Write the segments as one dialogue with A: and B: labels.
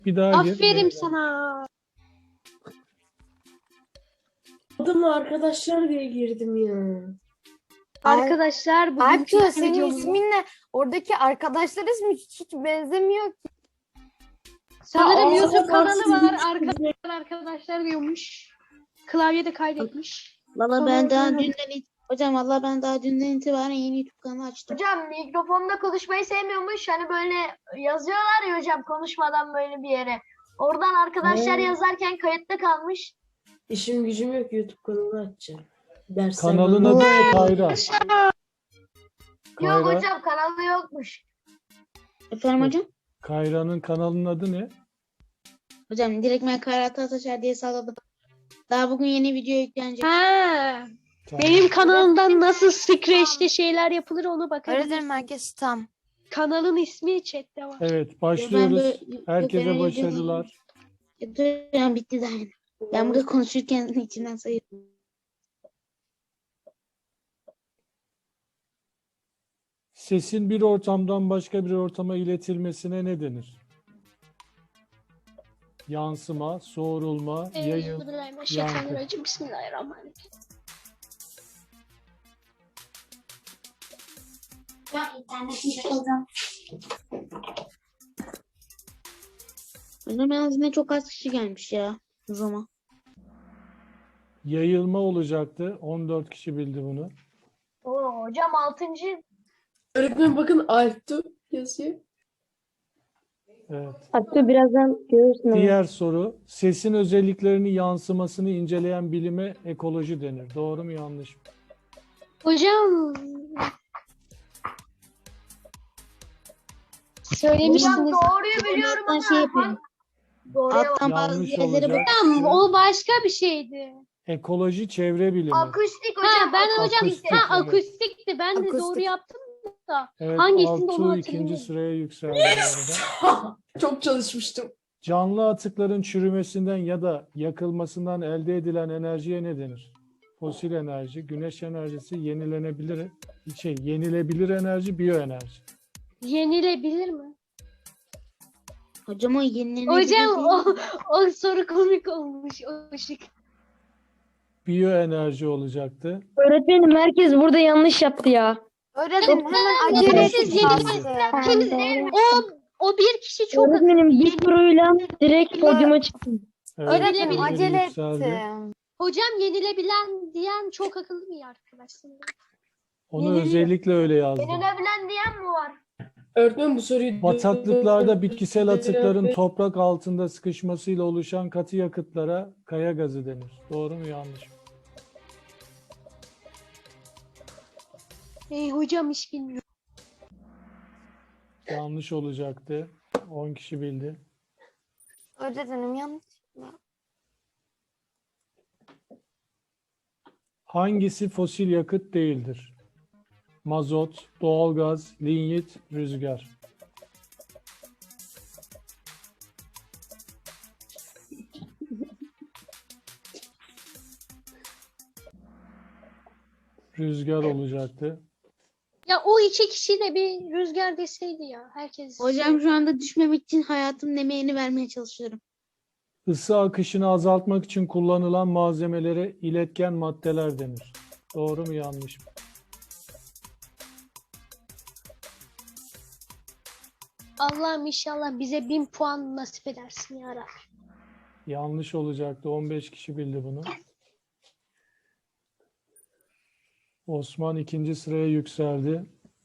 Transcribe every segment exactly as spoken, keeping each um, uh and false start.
A: Bir daha gir.
B: Aferin sana.
C: Adımla arkadaşlar diye girdim ya.
B: Arkadaşlar bugün
D: Alptu senin
B: videomuz-
D: isminle oradaki arkadaşlar ismi hiç, hiç benzemiyor ki.
B: Sanırım
C: Aa,
B: YouTube
C: o zaman
B: kanalı
C: sizin
B: var.
C: için
B: Arkadaşlar arkadaşlar diyormuş. Klavyede kaydetmiş.
E: Valla
B: Sonra
E: ben daha
B: oradan-
E: dünden it- hocam valla ben daha dünden itibaren yeni YouTube kanalı açtım.
F: Hocam mikrofonda konuşmayı sevmiyormuş. Hani böyle yazıyorlar ya hocam konuşmadan böyle bir yere. Oradan arkadaşlar
C: Hmm.
F: yazarken kayıtta kalmış.
C: İşim gücüm yok, YouTube kanalı açacağım. Dersler
A: Kanalın
C: bana-
A: adı ne Kayra?
F: Yok
A: Kayra,
F: hocam kanalı yokmuş.
E: Efendim hocam?
A: Kayra'nın kanalının adı ne?
E: Hocam direkt ben Kayrat Ataşer diye salladım. Daha bugün yeni video yüklenecek.
B: Ha,
A: Tamam.
B: benim kanalımdan nasıl Scratch'te şeyler yapılır onu bakabilirsin.
D: Öğretmenim herkes tam.
B: Kanalın ismi chat'te var.
A: Evet,
E: Ben
A: başlıyoruz.
E: böyle-
A: Herkese
E: ben öyle
A: başarılar.
E: Hocam bitti daha yeni. Ben burada konuşurken içinden sayıyorum.
A: Sesin bir ortamdan başka bir ortama iletilmesine ne denir? Yansıma, soğurulma, yayıl,
B: Euzubillahimineşşeytanirracim. Bismillahirrahmanirrahim.
E: Hocam yalnız yine çok az kişi gelmiş ya o zaman.
A: yayılma olacaktı. on dört kişi bildi bunu.
F: Oo, hocam altıncı.
C: Öğretmenim bakın Alptu yazıyor.
A: Evet.
G: Hatta birazdan görürsün onu.
A: Diğer soru. Sesin özelliklerini yansımasını inceleyen bilime ekoloji denir. Doğru mu yanlış mı?
B: Hocam
F: Hocam
B: söylemiştiniz.
F: doğruyu biliyorum
E: Ben
F: ama
E: şey yapayım.
F: bak- doğruya bak.
E: Alttan bazı
A: Yanlış
E: yerlere
A: olacak.
E: bak.
B: Hocam o başka bir şeydi.
A: Ekoloji çevre bilimi.
F: Akustik
B: Ha
F: hocam.
B: ben hocam
A: Akustik,
B: ha
A: evet.
B: akustikti. Ben de
D: Akustik.
B: doğru yaptım da.
A: Evet,
B: Hangisinde onu
A: Altuğ ikinci
B: hatırlamıyorum.
A: sıraya yükseldi bu arada.
C: Çok çalışmıştım.
A: Canlı atıkların çürümesinden ya da yakılmasından elde edilen enerjiye ne denir? Fosil enerji, güneş enerjisi, yenilenebilir şey, yenilebilir enerji, biyoenerji.
B: Yenilebilir mi?
E: Hocam o yenilenebilir
B: Hocam
E: değil
B: o,
E: mi?
B: o soru komik olmuş. O şık.
A: Biyoenerji olacaktı.
G: Öğretmenim herkes burada yanlış yaptı ya.
D: Öğretmenim hemen
B: Neden
D: acele
B: siz
D: edin.
B: yeni- Kim, o, o bir kişi çok
G: Öğretmenim bir soruyla direkt podyuma çıktım.
A: Evet,
D: Öğretmenim
A: birileri
D: acele
A: yükseldi.
D: ettim.
B: hocam yenilebilen diyen çok akıllı bir arkadaşsın.
A: Onu
B: Yeniliyor.
A: özellikle öyle yazdım.
F: Yenilebilen diyen mi var?
C: Öğretmenim bu soruyu...
A: Bataklıklarda bitkisel atıkların toprak altında sıkışmasıyla oluşan katı yakıtlara kaya gazı denir. Doğru mu yanlış mı?
B: Ey hocam hiç bilmiyorum.
A: Yanlış olacaktı. on kişi bildi.
D: Öğretmenim yanlış.
A: Hangisi fosil yakıt değildir? Mazot, doğalgaz, linyit, rüzgar. Rüzgar olacaktı.
B: Ya o iki kişiyle bir rüzgar deseydi ya. Herkes.
E: Hocam şu anda düşmemek için hayatımın emeğini vermeye çalışıyorum.
A: Isı akışını azaltmak için kullanılan malzemelere iletken maddeler denir. Doğru mu yanlış mı?
B: Allah'ım inşallah bize bin puan nasip edersin ya Rabbi.
A: Yanlış olacaktı. on beş kişi bildi bunu. Osman ikinci sıraya yükseldi.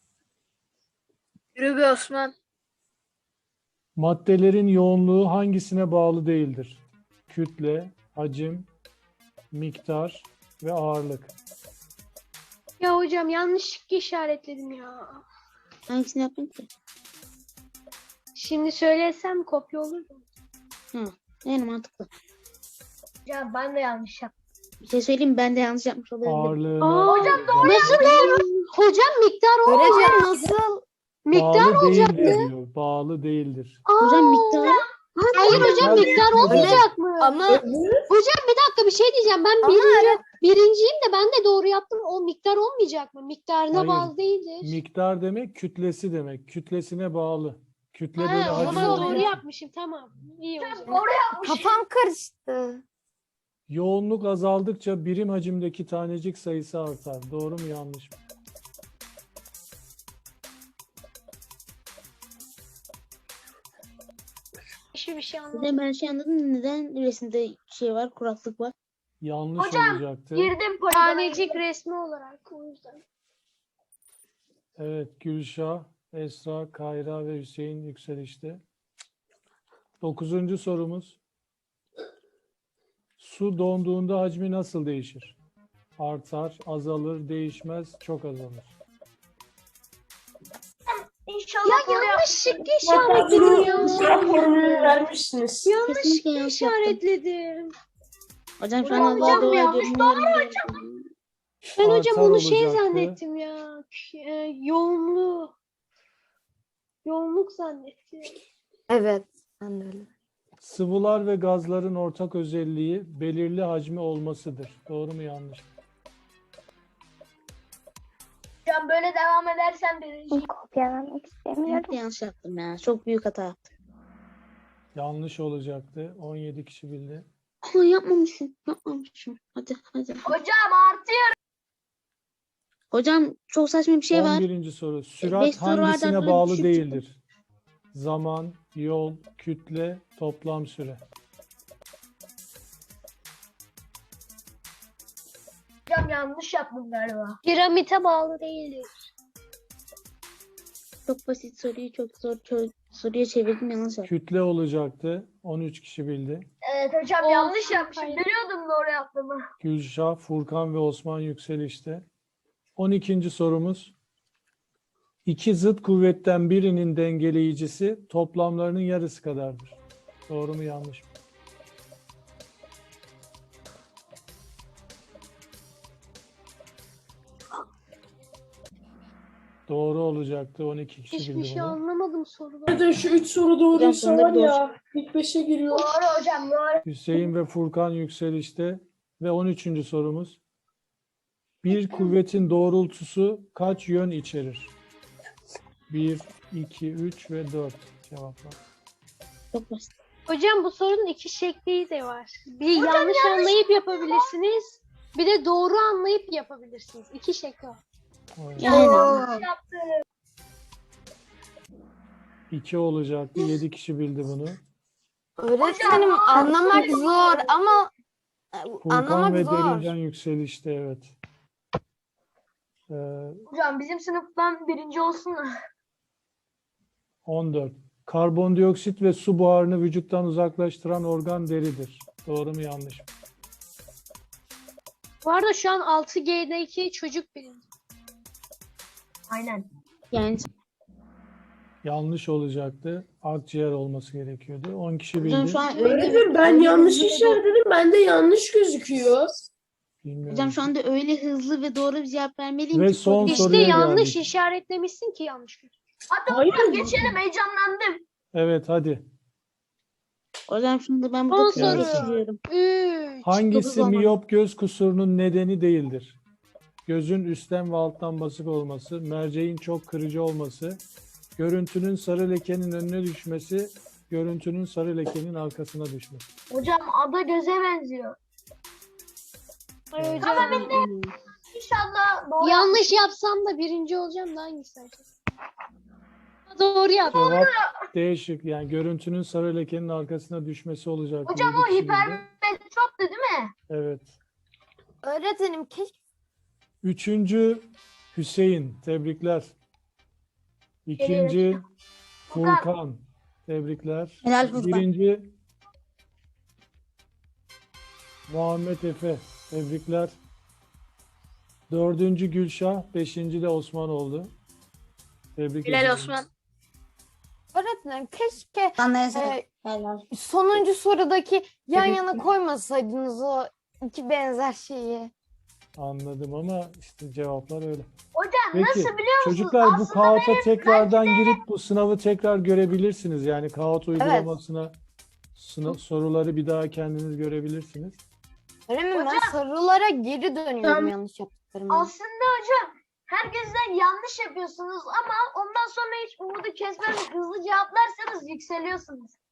F: Yürü be Osman.
A: Maddelerin yoğunluğu hangisine bağlı değildir? Kütle, hacim, miktar ve ağırlık.
B: Ya hocam yanlışlıkla işaretledim ya.
E: Hangisini yapayım ki?
B: Şimdi söylesem kopya olur mu?
E: Yani mantıklı.
F: Hocam ben de yanlış yaptım.
E: Bir şey söyleyeyim mi? Ben de yanlış yapmış olabilirim.
A: Ağırlığına
B: Aa, hocam Nasıl doğru? Hocam miktar olacak.
D: Öğretmenim nasıl?
B: Miktar
A: bağlı
B: olacaktı.
A: değildir diyor. Bağlı değildir.
B: Aa,
E: Hocam miktarı
B: Hayır hocam
A: Miktar-
B: miktar olmayacak mı?
D: Ama
B: Hocam bir dakika bir şey diyeceğim. Ben
D: Ama
B: birinci, birinciyim de ben de doğru yaptım. O miktar olmayacak mı? Miktarına
A: Hayır.
B: bağlı değildir.
A: Miktar demek kütlesi demek. Kütlesine bağlı. Kütle bölü
B: Ha, o
A: hacim
B: zaman doğru
A: olduğu-
B: yapmışım. Tamam. İyi o zaman.
F: Doğru yapmış.
D: Kafam karıştı.
A: Yoğunluk azaldıkça birim hacimdeki tanecik sayısı artar. Doğru mu yanlış mı?
B: Hiçbir şey anlamadım.
E: Hocam ben şey anladım. Neden resimde şey var, kuraklık var?
A: Yanlış
F: Hocam,
A: olacaktı.
F: Girdim poligona.
B: Tanecik resmi olarak o yüzden.
A: Evet, Gülşah, Esra, Kayra ve Hüseyin yükselişte. Dokuzuncu sorumuz. Su donduğunda hacmi nasıl değişir? Artar, azalır, değişmez, çok azalır.
F: İnşallah doğru
B: Yanlışlıkla
C: Zaten
B: işaretledim
C: bunu
B: ya.
C: formülü vermişsiniz.
E: Kesinlikle
B: Yanlışlıkla
E: yanlış yaptım.
B: işaretledim.
E: Hocam şu
F: Hocam,
E: an Allah'a dua
F: yanlış,
E: ediyorum.
F: doğru
E: Yarın
B: Ben hocam
A: Artar
B: onu şey
A: olacaktı.
B: zannettim ya. K- e, yoğunluğu. Yoğunluk zannettim.
D: Evet. Ben de öyle.
A: Sıvılar ve gazların ortak özelliği belirli hacmi olmasıdır. Doğru mu yanlış mı?
F: Hocam böyle devam edersen birinci.
G: Kopyalamak istemiyorum.
E: Ben de yanlış yaptım ya. Çok büyük hata yaptım.
A: Yanlış olacaktı. on yedi kişi bildi.
E: Ama yapmamışım. Yapmamışım. Hadi hadi.
F: Hocam artıyor.
E: Hocam çok saçma bir şey var.
A: on birinci soru. Sürat
E: beş soru vardı,
A: hangisine
E: arada
A: bağlı
E: düşük
A: değildir? Zaman, yol, kütle, toplam süre.
F: Hocam yanlış yaptım galiba.
B: Piramite bağlı değildir.
E: Çok basit soruyu çok zor çö- soruya çevirdim, yanlış yaptım.
A: Kütle olacaktı. on üç kişi bildi.
F: Evet hocam
B: Olsun,
F: yanlış yapmışım.
B: hayır.
F: Biliyordum doğru yaptığımı.
A: Gülşah, Furkan ve Osman yükselişte. on ikinci sorumuz. İki zıt kuvvetten birinin dengeleyicisi toplamlarının yarısı kadardır. Doğru mu yanlış mı? Doğru olacaktı. on iki kişi
B: Hiçbir
A: bildi
B: şey
A: bunu.
B: anlamadım sorudan.
C: Zaten şu üç soru doğruysa
E: Hocam,
C: var
E: bunları
C: ya. İlk beşe giriyor.
F: Doğru hocam doğru.
A: Hüseyin ve Furkan yükselişte ve on üçüncü sorumuz. Bir kuvvetin doğrultusu kaç yön içerir? bir, iki, üç ve dört cevaplar.
E: Çok basit.
B: Hocam bu sorunun iki şekli de var. Bir yanlış anlayıp yapabilirsiniz. Bir de doğru anlayıp yapabilirsiniz. İki şekli var.
A: Evet.
F: Yanlış yaptım.
A: iki olacaktı. yedi kişi bildi bunu.
D: Öğretmenim anlamak zor ama e,
A: Furkan
D: anlamak
A: ve
D: zor.
A: Derinden yükselişte evet. Ee,
F: Hocam bizim sınıftan birinci olsun mu?
A: on dört. Karbondioksit ve su buharını vücuttan uzaklaştıran organ deridir. Doğru mu yanlış mı?
B: Bu arada şu an altı G'deki çocuk birinci.
F: Aynen.
E: Yani
A: Yanlış olacaktı. Akciğer olması gerekiyordu. on kişi
E: hocam
A: bildi.
E: şu an öyle
C: Öğretmenim ben
E: öyle
C: yanlış
E: hızlı ve doğru-
C: işaretledim. Bende yanlış gözüküyor.
A: Bilmiyorum.
E: Hocam şu anda öyle hızlı ve doğru bir cevap vermeliyim
A: Ve
E: ki
A: son
E: soruyu-
B: İşte
A: soruya
B: yanlış
A: geldik.
B: işaretlemişsin ki yanlış.
F: Hadi
C: Hayır.
F: hocam geçelim heyecanlandım.
A: Evet hadi.
E: Hocam şimdi ben
B: Son
E: burada
B: soru.
E: kısa geçiriyorum.
B: Üç.
A: Hangisi
E: dokuz olmadı.
A: miyop göz kusurunun nedeni değildir? Gözün üstten ve alttan basık olması, merceğin çok kırıcı olması, görüntünün sarı lekenin önüne düşmesi, görüntünün sarı lekenin arkasına düşmesi.
F: Hocam ada göze benziyor.
B: Ay hocam.
F: Ama ben de inşallah doğru.
B: Yanlış yapsam da birinci olacağım da hangisi acaba? Doğru yap.
A: Cevap değişik. Yani görüntünün sarı lekenin arkasına düşmesi olacak.
F: Hocam
A: Yedi
F: o
A: kişi bildi.
F: hipermetroptu değil mi?
A: Evet.
D: Öğretmenim keşke
A: Üçüncü Hüseyin. Tebrikler. İkinci Furkan. Tebrikler.
E: Helal Furkan.
A: Birinci Muhammed Efe. Tebrikler. Dördüncü Gülşah. Beşinci de Osman oldu. Tebrik
F: Helal
A: ediyorum.
F: Osman.
D: öğretmenim keşke
E: Anlayasın.
D: e,
E: Helal.
D: sonuncu sorudaki yan
E: Tabii
D: yana
E: ki.
D: koymasaydınız o iki benzer şeyi.
A: Anladım ama işte cevaplar öyle.
F: Hocam
A: Peki,
F: nasıl biliyor musunuz?
A: çocuklar bu
F: Aslında
A: kağıta
F: benim
A: tekrardan girip bu sınavı tekrar görebilirsiniz. Yani kağıt uygulamasına sınav, soruları bir daha kendiniz görebilirsiniz.
D: Öğretmenim ben
F: Hocam-
D: sorulara geri dönüyorum
F: Tamam.
D: yanlış yaptıklarımı.
F: aslında hocam herkesten yanlış yapıyorsunuz ama ondan sonra hiç umudu kesmeden hızlı cevaplarsanız yükseliyorsunuz.